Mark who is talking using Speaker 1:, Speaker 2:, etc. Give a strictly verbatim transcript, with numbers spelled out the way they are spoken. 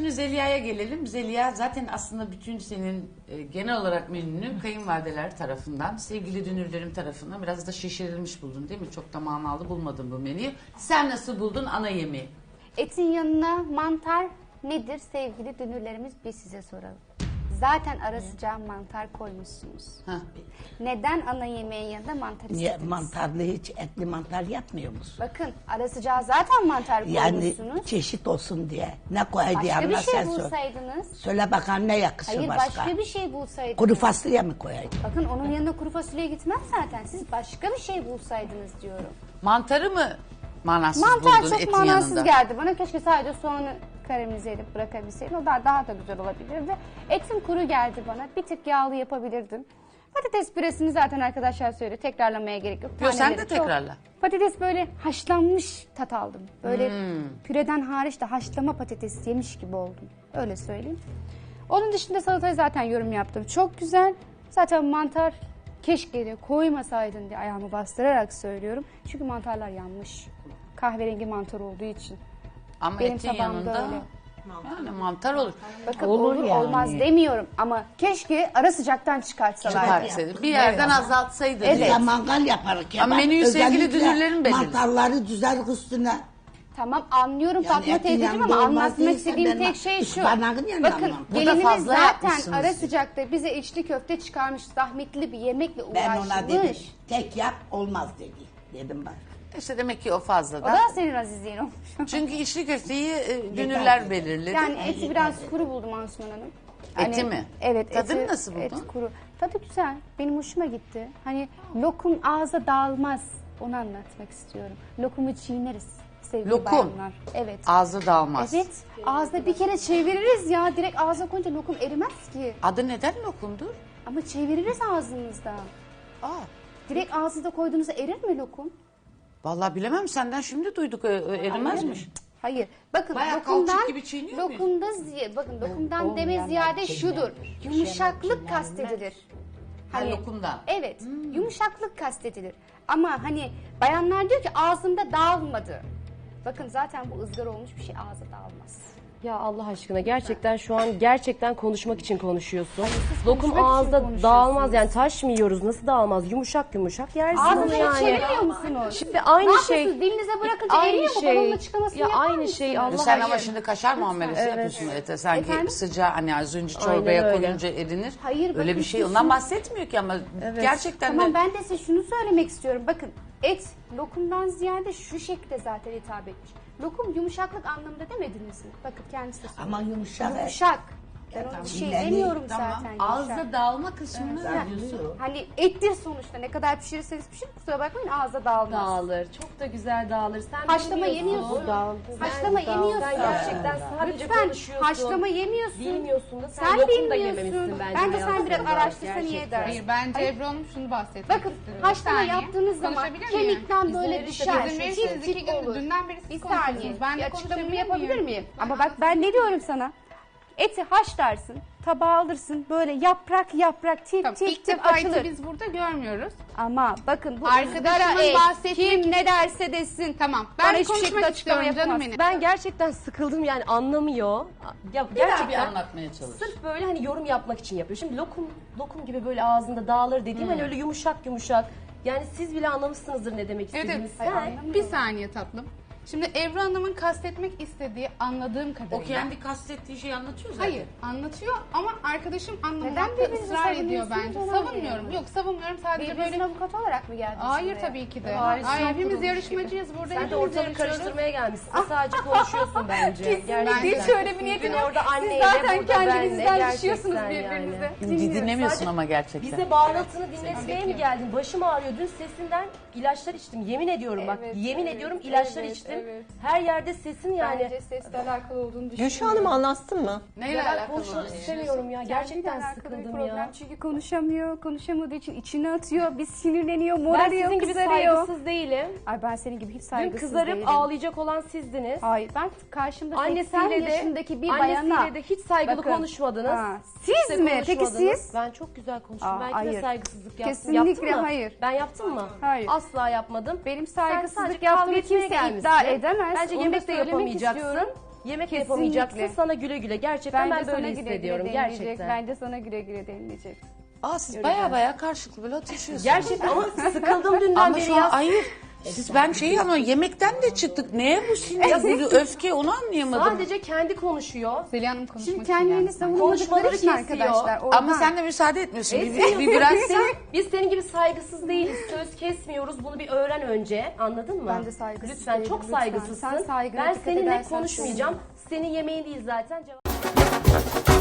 Speaker 1: şimdi Zeliha'ya gelelim. Zeliha zaten aslında bütün senin e, genel olarak menünü kayınvalideler tarafından, sevgili dünürlerim tarafından biraz da şişirilmiş buldun değil mi? Çok da manalı bulmadın bu menüyü. Sen nasıl buldun ana yemeği?
Speaker 2: Etin yanına mantar nedir sevgili dünürlerimiz, biz size soralım. Zaten ara sıcağı mantar koymuşsunuz.
Speaker 1: Heh.
Speaker 2: Neden ana yemeğin yanında mantar
Speaker 3: Niye
Speaker 2: istediniz?
Speaker 3: mantarlı hiç etli mantar yapmıyor musun?
Speaker 2: Bakın ara sıcağı zaten mantar
Speaker 3: Yani
Speaker 2: koymuşsunuz.
Speaker 3: çeşit olsun diye. Ne koydu
Speaker 2: Başka
Speaker 3: yanına
Speaker 2: bir şey
Speaker 3: sen söyle.
Speaker 2: bulsaydınız.
Speaker 3: Söyle bakalım ne yakışır
Speaker 2: Hayır
Speaker 3: başka?
Speaker 2: başka bir şey bulsaydınız.
Speaker 3: Kuru fasulye mi koyayım?
Speaker 2: Bakın onun yanına kuru fasulye gitmez zaten. Siz başka bir şey bulsaydınız diyorum.
Speaker 1: Mantarı mı manasız
Speaker 2: Mantar
Speaker 1: buldun
Speaker 2: çok
Speaker 1: etin
Speaker 2: manasız
Speaker 1: yanında?
Speaker 2: geldi bana. Keşke sadece soğanı karamelize edip bırakabilseydim. O da daha da güzel olabilirdi. Etim kuru geldi bana. Bir tık yağlı yapabilirdim. Patates püresini zaten arkadaşlar söyledi. Tekrarlamaya gerek yok.
Speaker 1: Yo, sen
Speaker 2: Taneleri
Speaker 1: de
Speaker 2: çok-
Speaker 1: tekrarla.
Speaker 2: Patates böyle haşlanmış tat aldım. Böyle
Speaker 1: Hmm.
Speaker 2: püreden hariç de haşlama patates yemiş gibi oldum. Öyle söyleyeyim. Onun dışında salatayı zaten yorum yaptım. Çok güzel. Zaten mantar keşke de koymasaydın diye ayağımı bastırarak söylüyorum. Çünkü mantarlar yanmış. Kahverengi mantar olduğu için.
Speaker 1: Ama
Speaker 2: Benim
Speaker 1: etin
Speaker 2: tabağımda
Speaker 1: yanında
Speaker 2: öyle.
Speaker 1: yani mantar olur.
Speaker 2: Bakın
Speaker 3: Olur
Speaker 2: olur,
Speaker 3: yani.
Speaker 2: olmaz demiyorum ama keşke ara sıcaktan çıkartsalardı.
Speaker 1: Çıkartsaydı. Bir yerden azaltsaydı.
Speaker 2: Evet.
Speaker 1: diye.
Speaker 3: Ya mangal yaparken.
Speaker 1: Ama menüyü sevgili
Speaker 3: özellikle
Speaker 1: dünürlerin belirler.
Speaker 3: mantarları düzeltmek üstüne.
Speaker 2: Tamam anlıyorum
Speaker 3: Yani
Speaker 2: Fatma
Speaker 3: etin
Speaker 2: teyzeciğim
Speaker 3: yanında
Speaker 2: ama
Speaker 3: olmaz
Speaker 2: anlatmak
Speaker 3: değilse
Speaker 2: istediğim
Speaker 3: ben
Speaker 2: tek şey şu.
Speaker 3: ıspanağın yanına
Speaker 2: Bakın
Speaker 3: almam.
Speaker 1: Burada
Speaker 2: gelinimiz
Speaker 1: fazla
Speaker 2: zaten
Speaker 1: yapmışsınız
Speaker 2: ara
Speaker 1: diye.
Speaker 2: sıcakta bize içli köfte çıkarmış, zahmetli bir yemekle
Speaker 3: Ben
Speaker 2: uğraşmış.
Speaker 3: ona dedim tek yap olmaz dedi. Dedim ben.
Speaker 1: İşte demek ki o fazla
Speaker 2: O
Speaker 1: da.
Speaker 2: da senin azizliğin olmuş.
Speaker 1: Çünkü içli köfteyi e, dünürler belirledi.
Speaker 2: Yani eti biraz kuru buldum Asuman Hanım.
Speaker 1: Eti mi?
Speaker 2: Evet.
Speaker 1: Tadını
Speaker 2: eti-
Speaker 1: nasıl buldun?
Speaker 2: Et kuru. Tadı güzel. Benim hoşuma gitti. Hani lokum ağza dağılmaz. Onu anlatmak istiyorum. Lokumu çiğneriz sevgili
Speaker 1: Lokum.
Speaker 2: bayanlar. Evet.
Speaker 1: Ağzı dağılmaz.
Speaker 2: Evet. Ağızda bir kere çeviririz ya. Direkt ağza koyunca lokum erimez ki.
Speaker 1: Adı neden lokumdur?
Speaker 2: Ama çeviririz ağzınızda.
Speaker 1: Aa,
Speaker 2: Direkt ağzınıza koyduğunuzda erir mi lokum?
Speaker 1: vallahi bilemem, senden şimdi duyduk, e, e, erimezmiş.
Speaker 2: Hayır. Bakın
Speaker 1: Bayağı
Speaker 2: lokumdan,
Speaker 1: kauçuk gibi çiğniyor muyuz?
Speaker 2: lokumda ziy- bakın lokumdan
Speaker 3: olmayan
Speaker 2: deme ziyade
Speaker 3: malzemeler.
Speaker 2: şudur. Yumuşaklık
Speaker 3: Çiğnenmez.
Speaker 2: kastedilir.
Speaker 1: Ha, lokumdan.
Speaker 2: Evet. Yumuşaklık kastedilir. Ama hani bayanlar diyor ki ağzımda dağılmadı. Bakın zaten bu ızgara olmuş bir şey ağza dağılmaz.
Speaker 4: Ya Allah aşkına gerçekten şu an gerçekten konuşmak için konuşuyorsun.
Speaker 2: siz
Speaker 4: Lokum
Speaker 2: konuşmak için
Speaker 4: ağızda
Speaker 2: konuşuyorsunuz.
Speaker 4: dağılmaz yani taş mı yiyoruz nasıl dağılmaz yumuşak yumuşak yersin onu
Speaker 2: Ağzınızı
Speaker 4: yani.
Speaker 2: çeviriyor musunuz?
Speaker 4: Şimdi aynı
Speaker 2: Ne
Speaker 4: şey.
Speaker 2: yapıyorsunuz? Dilinize bırakınca
Speaker 4: Aynı
Speaker 2: eriyor mu?
Speaker 4: şey.
Speaker 2: Balonun açıklamasını
Speaker 4: Ya
Speaker 2: yapar
Speaker 4: aynı
Speaker 2: mısınız?
Speaker 4: şey Allah
Speaker 1: Sen ama
Speaker 4: aşkına.
Speaker 1: şimdi kaşar muamelesi yapıyorsun ete. Sanki
Speaker 2: Efendim?
Speaker 1: sıcağı hani az önce
Speaker 4: Aynen
Speaker 1: çorbaya
Speaker 4: öyle.
Speaker 1: koyunca erinir.
Speaker 2: Hayır,
Speaker 1: Öyle
Speaker 2: bakın
Speaker 1: bir şey
Speaker 2: siz
Speaker 1: ondan
Speaker 2: şunu-
Speaker 1: bahsetmiyor ki ama gerçekten
Speaker 2: Tamam
Speaker 1: de
Speaker 2: ben de size şunu söylemek istiyorum. Bakın et lokumdan ziyade şu şekilde zaten hitap etmiş. Lokum yumuşaklık anlamında demediniz mi? Bakın kendisi de söylüyor.
Speaker 3: Ama yumuşak.
Speaker 2: Yumuşak. Ben ona
Speaker 3: tamam.
Speaker 2: bir şey
Speaker 3: Yani
Speaker 2: demiyorum
Speaker 1: tamam.
Speaker 2: zaten. yumuşak.
Speaker 1: Ağızda dağılma kısmını diyorsun.
Speaker 2: Hani ettir sonuçta. Ne kadar pişirirseniz pişirin kusura bakmayın ağza dağılmaz.
Speaker 4: Dağılır. Çok da güzel dağılır. Sen
Speaker 2: Haşlama
Speaker 4: bilmiyorsun.
Speaker 2: yemiyorsun.
Speaker 4: Dağıldı.
Speaker 2: Haşlama
Speaker 4: Ben-
Speaker 2: yemiyorsun.
Speaker 4: Sen gerçekten sadece
Speaker 2: Lütfen
Speaker 4: konuşuyorsun.
Speaker 2: haşlama yemiyorsun.
Speaker 4: Bilmiyorsun da sen,
Speaker 2: Sen
Speaker 4: lokum da
Speaker 2: bilmiyorsun.
Speaker 4: yememişsin bence.
Speaker 2: Bence sen
Speaker 4: hayatında.
Speaker 2: biraz araştırsan iyi
Speaker 4: Gerçekten.
Speaker 2: edersin.
Speaker 5: Hayır bence Ebru Hanım şunu bahsetmek
Speaker 2: Bakın
Speaker 5: istiyorum.
Speaker 2: haşlama
Speaker 5: Bir saniye.
Speaker 2: yaptığınız zaman
Speaker 5: Konuşabilir miyim?
Speaker 2: kemikten böyle
Speaker 4: İzin
Speaker 2: düşer.
Speaker 5: İzin verirseniz
Speaker 2: Çift
Speaker 5: iki
Speaker 2: çift
Speaker 5: gün
Speaker 2: olur.
Speaker 5: dünden beri
Speaker 2: Bir
Speaker 5: siz
Speaker 2: saniye.
Speaker 5: konuşuyorsunuz. Ben
Speaker 2: Bir
Speaker 5: de
Speaker 2: açıklamamı
Speaker 5: konuşabilir
Speaker 2: yapabilir
Speaker 5: miyim?
Speaker 2: miyim? Ama bak ben ne diyorum sana? Eti haşlarsın, tabağa alırsın, böyle yaprak yaprak tip
Speaker 5: Tamam,
Speaker 2: tip
Speaker 5: ilk
Speaker 2: tip
Speaker 5: defa
Speaker 2: açılır.
Speaker 5: eti biz burada görmüyoruz.
Speaker 2: Ama bakın bu
Speaker 5: Arkadaşımın
Speaker 2: ızgara et,
Speaker 5: bahsettiği-
Speaker 2: kim ne derse desin.
Speaker 5: Tamam,
Speaker 2: Bana
Speaker 5: ben
Speaker 2: hiçbir şekilde
Speaker 5: konuşmak
Speaker 2: açıklama
Speaker 5: istiyorum canım
Speaker 2: yapamazsın.
Speaker 5: benim.
Speaker 4: Ben gerçekten sıkıldım yani anlamıyor. Ya
Speaker 1: Bir daha bir
Speaker 4: gerçekten
Speaker 1: anlatmaya çalış.
Speaker 4: sırf böyle hani yorum yapmak için yapıyor. Şimdi lokum lokum gibi böyle ağzında dağılır dediğim
Speaker 2: Hmm.
Speaker 4: hani öyle yumuşak yumuşak. Yani siz bile anlamışsınızdır ne demek
Speaker 5: Evet,
Speaker 4: istediğimi.
Speaker 5: evet.
Speaker 4: Sen
Speaker 5: Bir saniye tatlım. Şimdi Ebru Hanım'ın kastetmek istediği anladığım kadarıyla.
Speaker 1: O kendi kastettiği şeyi anlatıyor zaten.
Speaker 5: Hayır anlatıyor ama arkadaşım
Speaker 2: Neden
Speaker 5: anlamamakta
Speaker 2: birbirinizi
Speaker 5: ısrar ediyor
Speaker 2: savunuyorsunuz
Speaker 5: bence.
Speaker 2: onu
Speaker 5: Savunmuyorum.
Speaker 2: anlayamadım.
Speaker 5: Yok savunmuyorum sadece
Speaker 2: Birbirinizin
Speaker 5: böyle.
Speaker 2: avukat olarak mı geldiniz
Speaker 5: Hayır
Speaker 2: buraya?
Speaker 5: tabii ki de.
Speaker 4: Hayır,
Speaker 5: Hayır,
Speaker 2: son
Speaker 5: hepimiz
Speaker 2: kurulmuş
Speaker 5: yarışmacıyız burada.
Speaker 4: sen de
Speaker 5: hepimiz
Speaker 4: ortalığı
Speaker 5: yarışıyoruz.
Speaker 4: karıştırmaya gelmişsin. Sen sadece konuşuyorsun bence.
Speaker 2: Kesinlikle
Speaker 5: Bence
Speaker 2: hiç
Speaker 5: de.
Speaker 2: öyle bir niyetim
Speaker 4: Bugün
Speaker 2: yok.
Speaker 4: orada
Speaker 2: Siz
Speaker 4: anneyle,
Speaker 2: zaten
Speaker 4: burada
Speaker 2: kendinizden
Speaker 4: benle,
Speaker 2: düşüyorsunuz
Speaker 4: gerçekten
Speaker 2: birbirinize.
Speaker 4: yani.
Speaker 1: Dinlemiyorsun
Speaker 4: Sadece
Speaker 1: ama gerçekten.
Speaker 4: Bize bağırıltını dinletmeye mi geldin? Başım ağrıyor. Dün sesinden ilaçlar içtim. Yemin ediyorum bak.
Speaker 2: Evet,
Speaker 4: Yemin
Speaker 2: evet,
Speaker 4: ediyorum ilaçlar
Speaker 2: evet,
Speaker 4: içtim.
Speaker 2: evet.
Speaker 4: Her yerde sesin yani.
Speaker 2: Bence sesle alakalı olduğunu düşünüyorum.
Speaker 6: Gülşah Hanım anlatsın mı?
Speaker 1: Neyle
Speaker 4: Ya ben
Speaker 1: alakalı?
Speaker 4: konuşmak istemiyorum ya. Gerçekten sıkıldım
Speaker 2: problem.
Speaker 4: ya.
Speaker 2: Çünkü konuşamıyor, konuşamadığı için içine atıyor, bir sinirleniyor,
Speaker 4: Ben
Speaker 2: morarıyor,
Speaker 4: sizin gibi
Speaker 2: kızarıyor.
Speaker 4: saygısız değilim.
Speaker 2: Ay ben senin gibi hiç
Speaker 4: Dün
Speaker 2: saygısız
Speaker 4: kızarıp
Speaker 2: değilim.
Speaker 4: ağlayacak olan sizdiniz.
Speaker 2: Hayır ben karşımda seksen
Speaker 4: Annesiyle de,
Speaker 2: yaşındaki bir bayana.
Speaker 4: annesiyle de hiç saygılı
Speaker 2: Bakın,
Speaker 4: konuşmadınız.
Speaker 2: ha,
Speaker 4: Hiç
Speaker 2: siz
Speaker 4: de
Speaker 2: mi? Peki
Speaker 4: konuşmadınız.
Speaker 2: siz?
Speaker 4: Ben çok güzel konuştum.
Speaker 2: Aa,
Speaker 4: ben kime
Speaker 2: hayır.
Speaker 4: saygısızlık yaptım?
Speaker 2: Kesinlikle
Speaker 4: Yaptım mı?
Speaker 2: hayır.
Speaker 4: Ben yaptım mı?
Speaker 2: Hayır.
Speaker 4: Asla yapmadım.
Speaker 2: Benim
Speaker 4: Sen
Speaker 2: saygısızlık
Speaker 4: sadece
Speaker 2: yaptığımı
Speaker 4: kavga etmeye
Speaker 2: kimse
Speaker 4: gelmişsin.
Speaker 2: iddia edemez.
Speaker 4: Bence
Speaker 2: Onu
Speaker 4: yemek
Speaker 2: da
Speaker 4: de
Speaker 2: söylemek
Speaker 4: yapamayacaksın.
Speaker 2: istiyorum.
Speaker 4: Yemek de
Speaker 2: Kesinlikle.
Speaker 4: yapamayacaksın. Sana güle güle. Gerçekten
Speaker 2: Bence
Speaker 4: ben
Speaker 2: sana
Speaker 4: böyle
Speaker 2: güle güle
Speaker 4: hissediyorum.
Speaker 2: denilecek.
Speaker 4: Gerçekten.
Speaker 2: Bence sana güle güle denilecek.
Speaker 1: Aa siz baya baya karşılıklı böyle atışıyorsunuz.
Speaker 4: Gerçekten ama sıkıldım dünden
Speaker 1: Ama
Speaker 4: beri
Speaker 1: şu an
Speaker 4: ya.
Speaker 1: hayır. Siz ben şeyi ama yemekten de çıktık. Neye bu sinir, bu öfke onu anlayamadım.
Speaker 4: Sadece kendi konuşuyor.
Speaker 5: Zeliha Hanım konuşmak
Speaker 2: Şimdi
Speaker 5: için
Speaker 2: kendilerini
Speaker 5: geldi.
Speaker 2: savunamadıkları
Speaker 4: Konuşmaları
Speaker 2: için
Speaker 4: kesiyor.
Speaker 2: arkadaşlar. Oradan.
Speaker 1: Ama sen de müsaade etmiyorsun. Bir,
Speaker 4: Etmiyor.
Speaker 1: bir
Speaker 4: Biz
Speaker 1: bıraksan.
Speaker 4: senin, biz senin gibi saygısız değiliz. Söz kesmiyoruz. Bunu bir öğren önce. Anladın mı?
Speaker 2: Ben de saygısız
Speaker 4: Lütfen
Speaker 2: değilim,
Speaker 4: çok
Speaker 2: lütfen.
Speaker 4: saygısızsın.
Speaker 2: Sen saygına
Speaker 4: Ben
Speaker 2: dikkat
Speaker 4: seninle
Speaker 2: edersen
Speaker 4: konuşmayacağım. Senin yemeğin değil zaten. Cevap-